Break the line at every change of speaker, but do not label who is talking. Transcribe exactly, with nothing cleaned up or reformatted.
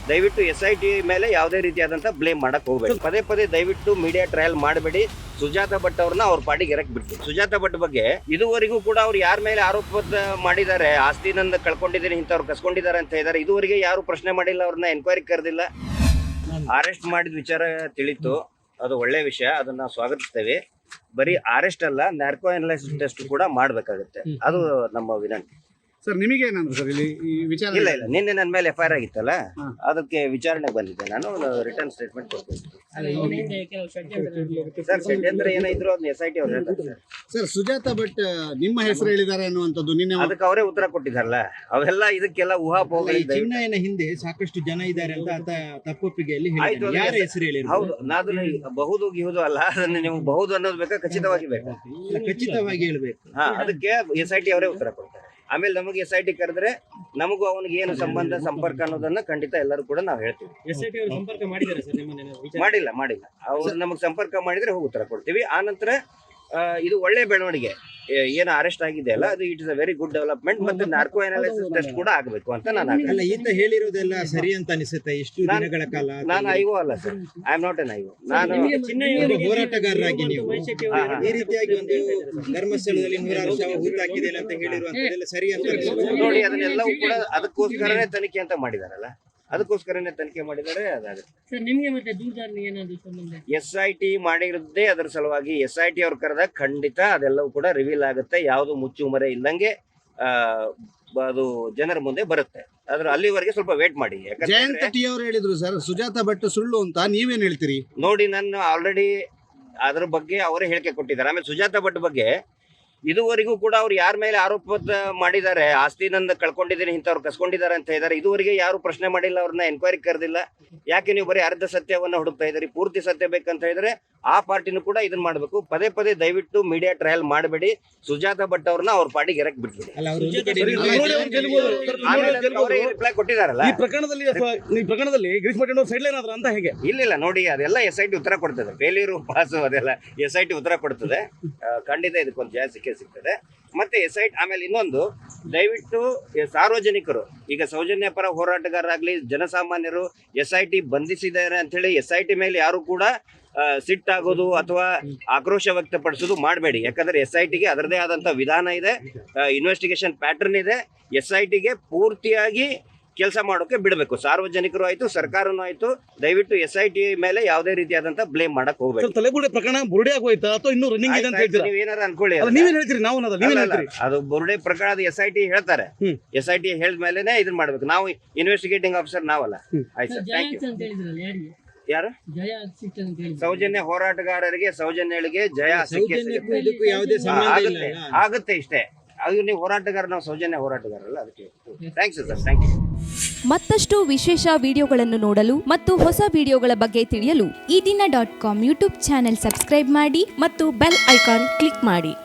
ದಯವಿಟ್ಟು S I T ಮೇಲೆ ಯಾವುದೇ ರೀತಿಯಾದಂಥ ಬ್ಲೇಮ್ ಮಾಡಕ್ ಹೋಗ್ಬೇಡಿ. ಪದೇ ಪದೇ ದಯವಿಟ್ಟು ಮೀಡಿಯಾ ಟ್ರಯಲ್ ಮಾಡಬೇಡಿ. ಸುಜಾತ ಭಟ್ ಅವ್ರನ್ನ ಅವ್ರ ಪಾಡಿಗೆ ಎರಕ್ ಬಿಟ್ಟು. ಸುಜಾತ ಭಟ್ ಬಗ್ಗೆ ಇದುವರೆಗೂ ಕೂಡ ಅವ್ರು ಯಾರ ಮೇಲೆ ಆರೋಪ ಮಾಡಿದ್ದಾರೆ, ಆಸ್ತಿ ನಂದು ಕಳ್ಕೊಂಡಿದ್ದೀನಿ ಇಂಥವ್ರು ಕಸ್ಕೊಂಡಿದ್ದಾರೆ ಅಂತ ಹೇಳಿದ್ದಾರೆ, ಇದುವರೆಗೆ ಯಾರು ಪ್ರಶ್ನೆ ಮಾಡಿಲ್ಲ, ಅವ್ರನ್ನ ಎನ್ಕ್ವೈರಿ ಕರೆದಿಲ್ಲ. ಅರೆಸ್ಟ್ ಮಾಡಿದ ವಿಚಾರ ತಿಳಿತು, ಅದು ಒಳ್ಳೆ ವಿಷಯ, ಅದನ್ನ ಸ್ವಾಗತಿಸ್ತೇವೆ. ಬರೀ ಅರೆಸ್ಟ್ ಅಲ್ಲ, ನ್ಯಾರ್ಕೋ ಅನಲೈಸಿಸ್ ಟೆಸ್ಟ್ ಕೂಡ ಮಾಡ್ಬೇಕಾಗುತ್ತೆ, ಅದು ನಮ್ಮ ವಿನಂತಿ.
ಸರ್ ನಿಮಗೆ ಏನಂದ್ರೆ ಸರ್ ಇಲ್ಲಿ ಈ ವಿಚಾರ?
ಇಲ್ಲ ಇಲ್ಲ, ನಿನ್ನೆ ನನ್ನ ಮೇಲೆ ಎಫ್ ಐ ಆರ್ ಆಗಿತ್ತಲ್ಲ, ಅದಕ್ಕೆ ವಿಚಾರಣೆ ಬಂದಿದ್ದೆ, ನಾನು ರಿಟರ್ನ್ ಸ್ಟೇಟ್ಮೆಂಟ್ ಕೊಡ್ತೀನಿ. ಸರ್ ಷಡ್ಯಂತ್ರ ಏನಾದ್ರು ಅದನ್ನ ಎಸ್ ಐ ಟಿ ಅವ್ರು ಹೇಳ್ತಾರೆ ಸರ್.
ಸರ್ ಸುಜಾತ ಭಟ್ ನಿಮ್ಮ ಹೆಸರು ಹೇಳಿದ್ದಾರೆ ಅನ್ನುವಂಥದ್ದು ನಿನ್ನೆ
ಅದಕ್ಕೆ ಅವರೇ ಉತ್ತರ ಕೊಟ್ಟಿದ್ದಾರಲ್ಲ, ಅವೆಲ್ಲ ಇದಕ್ಕೆಲ್ಲ ಊಹಾಪೋಹ.
ಚಿನ್ನಯನ ಹಿಂದೆ ಸಾಕಷ್ಟು ಜನ ಇದ್ದಾರೆ ಅಂತ ಆತ ತಪ್ಪೊಪ್ಪಿಗೆಯಲ್ಲಿ
ಆಯ್ತು,
ಯಾರ ಹೆಸರು ಹೇಳಿ?
ಹೌದು, ನಾನು ಬಹುದು ಗಿಹುದು ಅಲ್ಲ, ಅದನ್ನ ನೀವು ಬಹುದು ಅನ್ನೋದು ಬೇಕಾ, ಖಚಿತವಾಗಿ ಬೇಕಾ,
ಖಚಿತವಾಗಿ ಹೇಳ್ಬೇಕು.
ಹಾ, ಅದಕ್ಕೆ ಎಸ್ ಐ ಟಿ ಅವರೇ ಉತ್ತರ ಕೊಡ್ತಾರೆ. ಆಮೇಲೆ ನಮಗೆ ಎಸ್ ಐ ಟಿ ಕರೆದ್ರೆ ನಮಗೂ ಅವನಿಗೆ ಏನು ಸಂಬಂಧ ಸಂಪರ್ಕ ಅನ್ನೋದನ್ನ ಖಂಡಿತ ಎಲ್ಲರೂ ಕೂಡ ನಾವು ಹೇಳ್ತೀವಿ. ಮಾಡಿಲ್ಲ ಮಾಡಿಲ್ಲ ಅವ್ರು ನಮಗೆ ಸಂಪರ್ಕ ಮಾಡಿದ್ರೆ ಹೋಗಿ ಉತ್ತರ ಕೊಡ್ತೀವಿ. ಆ ನಂತರ ಇದು ಒಳ್ಳೆ ಬೆಳವಣಿಗೆ, ಏನು ಅರೆಸ್ಟ್ ಆಗಿದೆ ಅಲ್ಲ, ಅದು it is a very good development. ಮತ್ತೆ ನಾರ್ಕೋ ಅನಾಲಿಸಿಸ್ ಟೆಸ್ಟ್ ಕೂಡ ಆಗಬೇಕು ಅಂತ ನಾನು
ಅಲ್ಲ, ಈತ ಹೇಳಿರೋದೆಲ್ಲ ಸರಿ ಅಂತ ಅನಿಸುತ್ತೆ. ಎಷ್ಟು ದಿನಗಳ ಕಾಲ
ನಾನು ಐವೋ ಅಲ್ಲ sir, I am not an IVO. ನಾನು
ಹೋರಾಟಗಾರರಾಗಿ ನೀವು ಈ ರೀತಿಯಾಗಿ ಒಂದು ಧರ್ಮಸ್ಥಳದಲ್ಲಿ ನೂರಾರು ಶವ ಹೂತಾಕಿದೆ ಅಂತ ಹೇಳಿರುವಂತದ್ದೆಲ್ಲ ಸರಿ ಅಂತ
ನೋಡಿ, ಅದನ್ನೆಲ್ಲವೂ ಕೂಡ ಅದಕ್ಕೋಸ್ಕರನೇ ತನಿಖೆ ಅಂತ ಮಾಡಿದಾರಲ್ಲ, ಅದಕ್ಕೋಸ್ಕರನೇ ತನಿಖೆ ಮಾಡಿದರೆ ಅದಾಗುತ್ತೆ. ಎಸ್ ಐ ಟಿ ಮಾಡಿರದೇ ಅದರ ಸಲುವಾಗಿ ಎಸ್ ಐ ಟಿ ಅವ್ರು ಕರೆದಾಗ ಖಂಡಿತ ಅದೆಲ್ಲವೂ ಕೂಡ ರಿವೀಲ್ ಆಗುತ್ತೆ, ಯಾವುದು ಮುಚ್ಚುಮರೆ ಇಲ್ಲಂಗೆ ಆ ಅದು ಜನರ ಮುಂದೆ ಬರುತ್ತೆ. ಅದ್ರ ಅಲ್ಲಿವರೆಗೆ ಸ್ವಲ್ಪ ವೇಟ್ ಮಾಡಿ.
ಜಯಂತ ಟಿ ಅವರು ಹೇಳಿದ್ರು ಸರ್ ಸುಜಾತ ಭಟ್ ಸುಳ್ಳು ಅಂತ, ನೀವೇನ್ ಹೇಳ್ತೀರಿ?
ನೋಡಿ, ನಾನು ಆಲ್ರೆಡಿ ಅದ್ರ ಬಗ್ಗೆ ಅವರೇ ಹೇಳಿಕೆ ಕೊಟ್ಟಿದ್ದಾರೆ. ಆಮೇಲೆ ಸುಜಾತ ಭಟ್ ಬಗ್ಗೆ ಇದುವರೆಗೂ ಕೂಡ ಅವ್ರು ಯಾರ ಮೇಲೆ ಆರೋಪ ಮಾಡಿದ್ದಾರೆ, ಆಸ್ತಿ ನಂದು ಕಳ್ಕೊಂಡಿದ್ದೀನಿ ಇಂಥವ್ರು ಕಸ್ಕೊಂಡಿದ್ದಾರೆ ಅಂತ ಹೇಳಿದ್ದಾರೆ, ಇದುವರೆಗೆ ಯಾರು ಪ್ರಶ್ನೆ ಮಾಡಿಲ್ಲ, ಅವ್ರನ್ನ ಎನ್ಕ್ವೈರಿ ಕರೆದಿಲ್ಲ. ಯಾಕೆ ನೀವು ಬರೀ ಅರ್ಧ ಸತ್ಯವನ್ನ ಹುಡುಕ್ತಾ ಇದ್ದೀರಿ? ಪೂರ್ತಿ ಸತ್ಯ ಬೇಕಂತ ಹೇಳಿದ್ರೆ ಆ ಪಾರ್ಟಿನೂ ಕೂಡ ಇದನ್ನ ಮಾಡಬೇಕು. ಪದೇ ಪದೇ ದಯವಿಟ್ಟು ಮೀಡಿಯಾ ಟ್ರಯಲ್ ಮಾಡಬೇಡಿ. ಸುಜಾತ ಭಟ್ ಅವ್ರನ್ನ ಅವ್ರ ಪಾಡಿಗೆ ಎರಕ್ ಬಿಟ್ಬಿಡಿ. ರಿಪ್ಲೈ ಕೊಟ್ಟಿದಾರಲ್ಲ
ಈ ಪ್ರಕರಣದಲ್ಲಿ ಈ ಪ್ರಕರಣದಲ್ಲಿ ಗಿರೀಶ್ ಮಠ ಸೈಡ್ ಲೈನ್ ಆದ್ರ ಅಂತ ಹೇಗೆ?
ಇಲ್ಲ ಇಲ್ಲ, ನೋಡಿ, ಅದೆಲ್ಲ ಎಸ್ ಐ ಟಿ ಉತ್ತರ ಕೊಡ್ತದೆ. ಫೇಲ್ಯೂರು ಪಾಸು ಅದೆಲ್ಲ ಎಸ್ ಐ ಟಿ ಉತ್ತರ ಕೊಡ್ತದೆ. ಖಂಡಿತ ಇದಕ್ಕೊಂದು ಜಯ ಸಿಕ್ಕೇ ಸಿಗ್ತದೆ. ಮತ್ತೆ ಎಸ್ ಐ ಟಿ ಆಮೇಲೆ ಇನ್ನೊಂದು, ದಯವಿಟ್ಟು ಸಾರ್ವಜನಿಕರು, ಈಗ ಸೌಜನ್ಯ ಪರ ಹೋರಾಟಗಾರರಾಗ್ಲಿ, ಜನಸಾಮಾನ್ಯರು ಎಸ್ ಐ ಟಿ ಬಂಧಿಸಿದ್ದಾರೆ ಅಂತ ಹೇಳಿ ಎಸ್ ಐ ಟಿ ಮೇಲೆ ಯಾರು ಕೂಡ ಸಿಟ್ಟಾಗೋದು ಅಥವಾ ಆಕ್ರೋಶ ವ್ಯಕ್ತಪಡಿಸೋದು ಮಾಡಬೇಡಿ. ಯಾಕಂದ್ರೆ ಎಸ್ ಐ ಟಿಗೆ ಅದರದೇ ಆದಂತ ವಿಧಾನ ಇದೆ, ಇನ್ವೆಸ್ಟಿಗೇಷನ್ ಪ್ಯಾಟರ್ನ್ ಇದೆ. ಎಸ್ ಐ ಟಿಗೆ ಪೂರ್ತಿಯಾಗಿ ಕೆಲಸ ಮಾಡೋಕೆ ಬಿಡಬೇಕು. ಸಾರ್ವಜನಿಕರು ಆಯ್ತು, ಸರ್ಕಾರನೂ ಆಯ್ತು, ದಯವಿಟ್ಟು ಎಸ್ ಐ ಟಿ ಮೇಲೆ ಯಾವುದೇ ರೀತಿಯಾದಂತ ಬ್ಲೇಮ್ ಮಾಡಕ್ ಹೋಗ್ಬೇಕು.
ತಲೆಬುರುಡೆ ಪ್ರಕರಣ ಬುರುಡೆ ಆಗೋಯ್ತಾ ಅಥವಾ ಇನ್ನೂ ರನ್ನಿಂಗ್ ಇದೆ ಅಂತ ಹೇಳ್ತೀರಾ?
ನೀವೇನಾರ ಅನ್ಕೊಳ್ಳಿ,
ನೀವೇನ್ ಹೇಳ್ತೀರಿ? ನಾವು ನೀವೇನ್ ಹೇಳ್ತೀರಿ?
ಅದು ಬುರುಡೆ ಪ್ರಕರಣ ಎಸ್ ಐ ಟಿ ಹೇಳ್ತಾರೆ. ಎಸ್ ಐ ಟಿ ಹೇಳಿದ ಮೇಲೆನೆ ಇದನ್ನ ಮಾಡ್ಬೇಕು. ನಾವು ಇನ್ವೆಸ್ಟಿಗೇಟಿಂಗ್ ಆಫೀಸರ್ ನಾವಲ್ಲ. ಆಯ್ತು ಸರ್, ಥ್ಯಾಂಕ್ ಯು. ಯಾರು? ಸೌಜನ್ಯ ಹೋರಾಟಗಾರರಿಗೆ, ಸೌಜನ್ಯಗಳಿಗೆ ಜಯ ಸಿಕ್ಕೇ ಆಗುತ್ತೆ ಆಗುತ್ತೆ ಇಷ್ಟೇ. ಅದು ನೀವು ಹೋರಾಟಗಾರ, ನಾವು ಸೌಜನ್ಯ ಹೋರಾಟಗಾರಲ್ಲ, ಅದಕ್ಕೆ ಥ್ಯಾಂಕ್ಸ್ ಸರ್, ಥ್ಯಾಂಕ್ ಯು.
ಮತ್ತಷ್ಟು ವಿಶೇಷ ವಿಡಿಯೋಗಳನ್ನು ನೋಡಲು ಮತ್ತು ಹೊಸ ವಿಡಿಯೋಗಳ ಬಗ್ಗೆ ತಿಳಿಯಲು ಈ ದಿನ dot com YouTube channel subscribe ಮಾಡಿ ಮತ್ತು ಬೆಲ್ ಐಕಾನ್ ಕ್ಲಿಕ್ ಮಾಡಿ.